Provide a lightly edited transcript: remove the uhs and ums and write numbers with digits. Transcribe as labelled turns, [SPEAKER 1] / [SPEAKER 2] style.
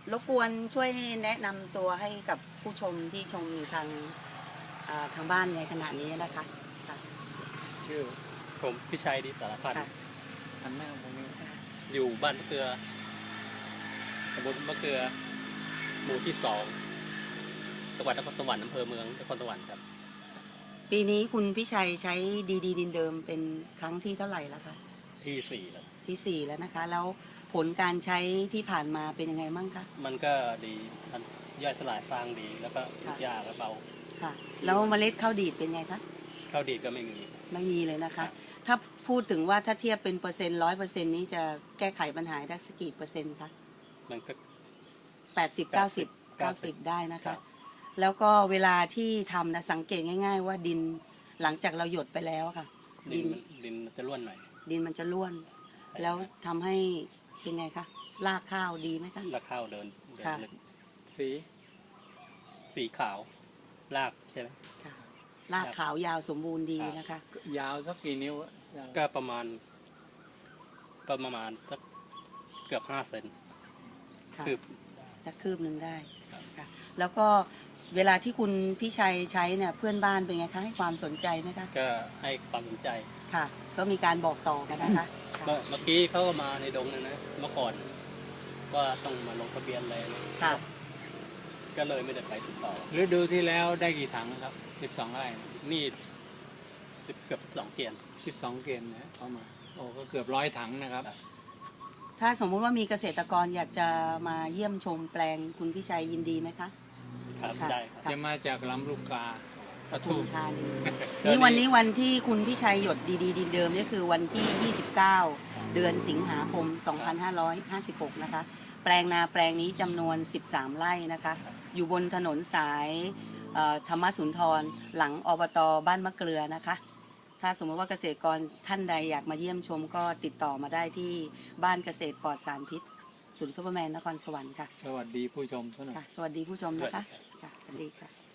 [SPEAKER 1] รบกวนช่วยแนะนำตัวให้กับผู้ชมที่ชมอยู่ทางบ้านในขณะนี้นะคะค่ะ
[SPEAKER 2] ชื่อผมพิชัยดีสารพันธ์
[SPEAKER 3] อันหน้าตรงนี้
[SPEAKER 2] อยู่บ้านมะเกลือตำบลมะเกลือหมู่ที่2จังหวัดนครสวรรค์อำเภอเมืองนครสวรรค์ครับ
[SPEAKER 1] ปีนี้คุณพิชัยใช้ดีดินเดิมเป็นครั้งที่เท่าไหร่แล้วคะ
[SPEAKER 2] ที่4แล้ว
[SPEAKER 1] ที่4แล้วนะคะแล้วผลการใช้ที่ผ่านมาเป็นยังไงบ้างคะ
[SPEAKER 2] มันก็ดีมันย่อยสลายฟางดีแล้วก็ทุกยากและเบา
[SPEAKER 1] ค่ะแล้วเมล็ดข้าวดีดเป็นไงคะ
[SPEAKER 2] ข้าวดีดก็ไม่มี
[SPEAKER 1] ไม่มีเลยนะคะ ถ้าพูดถึงว่าถ้าเทียบเป็นเปอร์เซ็นต์100%นี้จะแก้ไขปัญหาได้สักกี่เปอร์เซ็นต์คะ
[SPEAKER 2] มันก็
[SPEAKER 1] 80-90ได้นะคะ แล้วก็เวลาที่ทำนะสังเกตง่ายๆว่าดินหลังจากเราหยดไปแล้วค่ะ
[SPEAKER 2] ดินมันจะร่วนหน่อย
[SPEAKER 1] ดินมันจะร่วน แล้วทำให้เป็นไงคะรากข้าวดีไหมคะ
[SPEAKER 2] แล้วข้าวเดิน
[SPEAKER 1] ค่ะ
[SPEAKER 2] ลึก
[SPEAKER 3] สี
[SPEAKER 2] สีขาวรากใช่ไหม
[SPEAKER 1] ค่ะรากขาวยาวสมบูรณ์ดีนะคะ
[SPEAKER 3] ยาวสักกี่นิ้วอะ
[SPEAKER 2] ก็ประมาณสักเกือบ5 เซน
[SPEAKER 1] ค่ะ
[SPEAKER 2] คือ
[SPEAKER 1] สักคืบหนึ่งได้
[SPEAKER 2] ครับ
[SPEAKER 1] ค่ะแล้วก็เวลาที่คุณพี่ชัยใช้เนี่ยเพื่อนบ้านเป็นไงคะให้ความสนใจไหมคะ
[SPEAKER 2] ก็ให้ความสนใจ
[SPEAKER 1] ค่ะ ก็มีการบอกต่อกันนะคะค่ะ
[SPEAKER 2] เมื่อกี้เขาก็มาในดงนะเมื่อก่อนว่าต้องมาลงทะเบียนเลยนะ
[SPEAKER 1] ค่ะ
[SPEAKER 2] ก็เลยไม่ได้ไปติดต่อ
[SPEAKER 3] ฤดูที่แล้วได้กี่ถังครับ12 ไร่
[SPEAKER 2] นี่เกือบ2 เกียน
[SPEAKER 3] 12 เกณฑ์นะเข้ามาโอ้ก็เกือบ100 ถังนะครับ
[SPEAKER 1] ถ้าสมมุติว่ามีเกษตรกรอยากจะมาเยี่ยมชมแปลงคุณพี่ชัยยินดีไหมคะ
[SPEAKER 2] ครับ
[SPEAKER 1] ค่ะ
[SPEAKER 2] ได้ครับ
[SPEAKER 3] จะมาจากลำลูกกาป
[SPEAKER 1] ป
[SPEAKER 3] ทุ
[SPEAKER 1] ทุม
[SPEAKER 3] ม
[SPEAKER 1] ธานีนี่วันนี้วันที่คุณพี่ชัยหยดดีดินเดิมนี่คือวันที่ 29 เดือนสิงหาคม 2556 นะคะ แปลงนาแปลงนี้จำนวน 13 ไร่นะคะ อยู่บนถนนสายธรรมสุนทรหลังอบตบ้านมะเกลือนะคะ ถ้าสมมติว่าเกษตรกรท่านใดอยากมาเยี่ยมชมก็ติดต่อมาได้ที่บ้านเกษตรปลอดสารพิษศูนย์ซุปเปอร์แมนนครสวรรค์ค่ะ
[SPEAKER 3] สวัสดีผู้ชมทุกท่าน
[SPEAKER 1] ค่ะ สวัสดีผู้ชมนะคะค่ะสวัสดีค่ะ